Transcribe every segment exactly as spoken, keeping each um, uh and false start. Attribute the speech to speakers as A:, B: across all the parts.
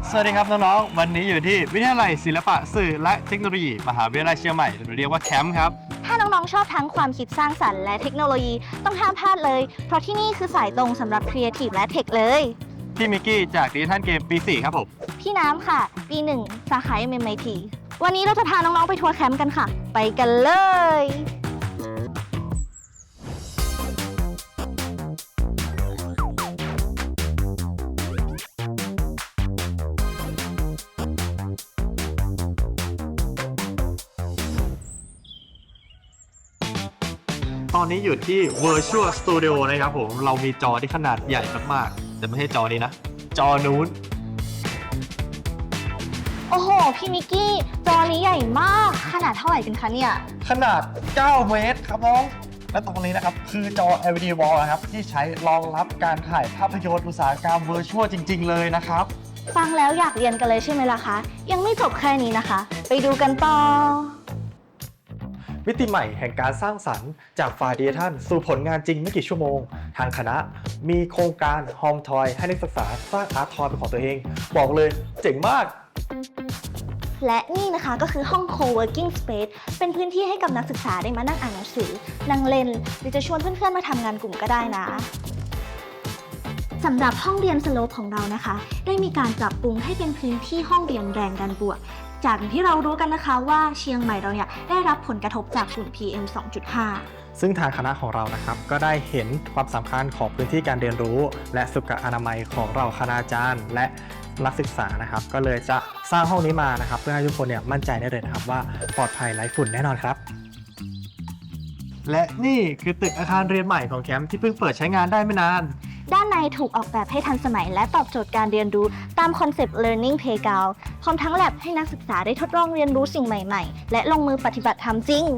A: สวัสดีครับน้องๆวันนี้อยู่ที่วิทยาลัยศิลปะสื่อและเทคโนโลยีมหาวิทยาลัยเชียงใหม่หรือเรียกว่าแคมป์ครับ
B: ถ้าน้องๆชอบทั้งความคิดสร้างสรรค์และเทคโนโลยีต้องห้ามพลาดเลยเพราะที่นี่คือสายตรงสำหรับครีเอทีฟและเทคเลย
A: พี่มิกกี้จากดิจิทัลเกมปีสี่ครับผม
B: พี่น้ำค่ะปีหนึ่งสาขา เอ็ม เอ็ม ไอ ที วันนี้เราจะพาน้องๆไปทัวร์แคมป์กันค่ะไปกันเลย
A: ตอนนี้อยู่ที่ Virtual Studio นะครับผมเรามีจอที่ขนาดใหญ่มากๆแต่ไม่ใช่จอนี้นะจอนู้น
B: โอ้โหพี่มิกกี้จอนี้ใหญ่มากขนาดเท่าไหร่กันคะเนี่ย
A: ขนาดเก้าเมตรครับน้องและตรงนี้นะครับคือจอ แอล อี ดี Wall นะครับที่ใช้รองรับการถ่ายภาพยนตร์อุตสาหกรรม Virtual จริงๆเลยนะครับ
B: ฟังแล้วอยากเรียนกันเลยใช่ไหมล่ะคะยังไม่จบแค่นี้นะคะไปดูกันต่อ
A: มิติใหม่แห่งการสร้างสรรค์จากฝ่ายดิจิทัลสู่ผลงานจริงไม่กี่ชั่วโมงทางคณะมีโครงการ Home Toy ให้นักศึกษาสร้างอาร์ตทอยเป็นของตัวเองบอกเลยเจ๋งมาก
B: และนี่นะคะก็คือห้อง Co-working Space เป็นพื้นที่ให้กับนักศึกษาได้มานั่งอ่านหนังสือนั่งเล่นหรือจะชวนเพื่อนๆมาทำงานกลุ่มก็ได้นะสำหรับห้องเรียนสโลปของเรานะคะได้มีการปรับปรุงให้เป็นพื้นที่ห้องเรียนแรงดันบวกจากที่เรารู้กันนะคะว่าเชียงใหม่เราเนี่ยได้รับผลกระทบจากฝุ่น พี เอ็ม สองจุดห้า
A: ซึ่งทางคณะของเรานะครับก็ได้เห็นความสำคัญของพื้นที่การเรียนรู้และสุขอนามัยของเราคณาจารย์และนักศึกษานะครับก็เลยจะสร้างห้องนี้มานะครับเพื่อให้ทุกคนเนี่ยมั่นใจได้เลยนะครับว่าปลอดภัยไร้ฝุ่นแน่นอนครับและนี่คือตึกอาคารเรียนใหม่ของแคมป์ที่เพิ่งเปิดใช้งานได้ไม่นาน
B: ด้านในถูกออกแบบให้ทันสมัยและตอบโจทย์การเรียนรู้ตามคอนเซปต์ Learning Playground พร้อมทั้งแลบให้นักศึกษาได้ทดลองเรียนรู้สิ่งใหม่ๆและลงมือปฏิบัติทำจริง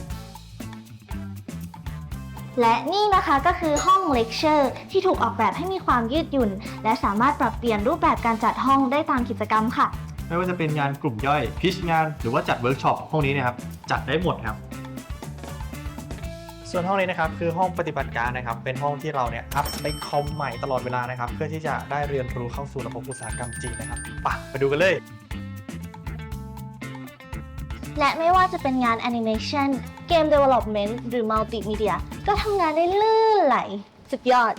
B: และนี่นะคะก็คือห้องเลคเชอร์ที่ถูกออกแบบให้มีความยืดหยุ่นและสามารถปรับเปลี่ยนรูปแบบการจัดห้องได้ตามกิจกรรมค่ะ
A: ไม่ว่าจะเป็นงานกลุ่มย่อยพิชงานหรือว่าจัดเวิร์กช็อปห้องนี้นะครับจัดได้หมดครับส่วนห้องนี้นะครับคือห้องปฏิบัติการนะครับเป็นห้องที่เราเนี่ยอัพในคอมใหม่ตลอดเวลานะครับเพื่อที่จะได้เรียนรู้เข้าสู่ระบบอุตสาหกรรมจริงนะครับไปไปดูกันเลย
B: และไม่ว่าจะเป็นงานแอนิเมชันเกม Development หรือมัลติมีเดียก็ทำงานได้ลื่นไหลสุดยอด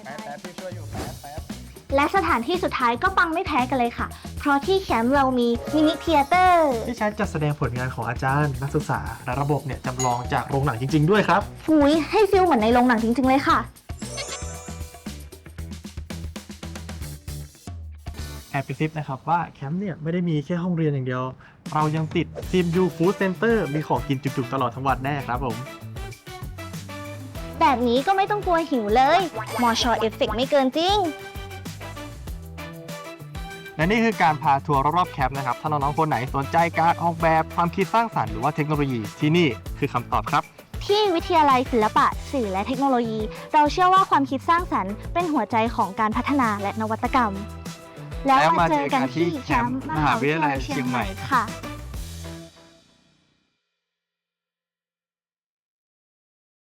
B: และสถานที่สุดท้ายก็ปังไม่แพ้กันเลยค่ะเพราะที่แคมป์เรามีมินิเธียเตอร์
A: ที่ใช้จัดแสดงผลงานของอาจารย์นักศึกษาและระบบเนี่ยจำลองจากโรงหนังจริงๆด้วยครับ
B: หุยให้ฟิลเหมือนในโรงหนังจริงๆเลยค่ะ
A: แอบไปซิปนะครับว่าแคมป์เนี่ยไม่ได้มีแค่ห้องเรียนอย่างเดียวเรายังติดทีมยูฟู้ดเซ็นเตอร์มีของกินจุกๆตลอดทั้งวันแน่ครับผม
B: แบบนี้ก็ไม่ต้องกลัวหิวเลยมอชอเอฟเฟกต์ไม่เกินจริง
A: และนี่คือการพาทัวร์รอบๆแคมป์นะครับถ้าน้องๆคนไหนสนใจการออกแบบความคิดสร้างสรรค์หรือว่าเทคโนโลยีที่นี่คือคำตอบครับ
B: ที่วิทยาลัยศิลปะสื่อและเทคโนโลยีเราเชื่อว่าความคิดสร้างสรรค์เป็นหัวใจของการพัฒนาและนวัตกรรมแล้วมาเจอกันที่แคมป์มหาวิทยาลัยเชียงใหม่ค่ะ